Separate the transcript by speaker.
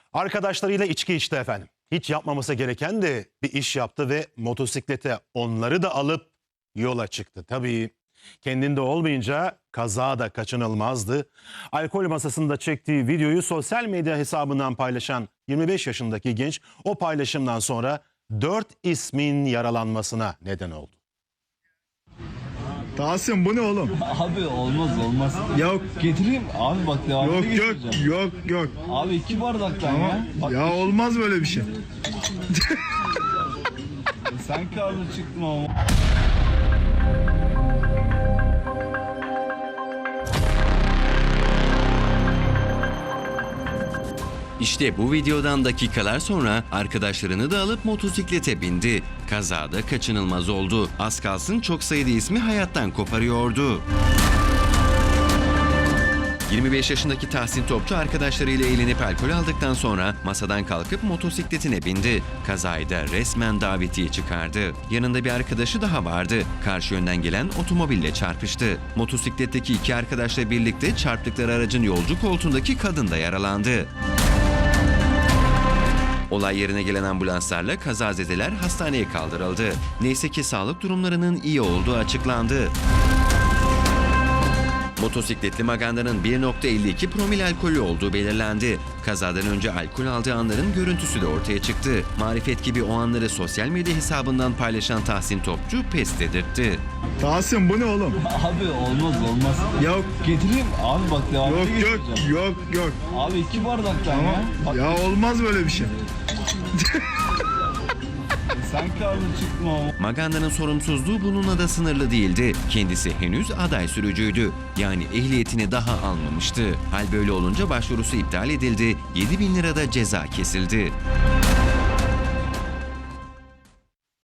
Speaker 1: Arkadaşlarıyla içki içti efendim. Hiç yapmaması gereken de bir iş yaptı ve motosiklete onları da alıp yola çıktı. Tabii kendinde olmayınca kaza da kaçınılmazdı. Alkol masasında çektiği videoyu sosyal medya hesabından paylaşan 25 yaşındaki genç o paylaşımdan sonra 4 ismin yaralanmasına neden oldu.
Speaker 2: Tahsin bu ne oğlum?
Speaker 3: Abi olmaz.
Speaker 2: Yok.
Speaker 3: Getireyim. Abi bak devamını
Speaker 2: Yok
Speaker 3: getireceğim.
Speaker 2: yok.
Speaker 3: Abi 2 bardaktan
Speaker 2: Ama
Speaker 3: ya. Bak,
Speaker 2: ya olmaz böyle bir şey.
Speaker 3: sen karlı çıktın ama.
Speaker 4: İşte bu videodan dakikalar sonra arkadaşlarını da alıp motosiklete bindi. Kazada kaçınılmaz oldu. Az kalsın çok sayıda ismi hayattan koparıyordu. 25 yaşındaki Tahsin Topçu arkadaşlarıyla eğlenip alkol aldıktan sonra masadan kalkıp motosikletine bindi. Kazayı da resmen davetiye çıkardı. Yanında bir arkadaşı daha vardı. Karşı yönden gelen otomobille çarpıştı. Motosikletteki iki arkadaşla birlikte çarptıkları aracın yolcu koltuğundaki kadın da yaralandı. Olay yerine gelen ambulanslarla kazazedeler hastaneye kaldırıldı. Neyse ki sağlık durumlarının iyi olduğu açıklandı. Motosikletli Maganda'nın 1.52 promil alkolü olduğu belirlendi. Kazadan önce alkol aldığı anların görüntüsü de ortaya çıktı. Marifet gibi o anları sosyal medya hesabından paylaşan Tahsin Topçu pes dedirtti.
Speaker 2: Tahsin bu ne oğlum?
Speaker 3: Abi olmaz.
Speaker 2: Yok.
Speaker 3: Getireyim. Abi bak devamını getireceğim.
Speaker 2: Yok.
Speaker 3: Abi 2 bardaktan
Speaker 2: Ama
Speaker 3: ya. Bak,
Speaker 2: ya olmaz böyle bir şey.
Speaker 3: sen karlı çıktın ama.
Speaker 4: Maganda'nın sorumsuzluğu bununla da sınırlı değildi. Kendisi henüz aday sürücüydü. Yani ehliyetini daha almamıştı. Hal böyle olunca başvurusu iptal edildi. 7.000 lirada ceza kesildi.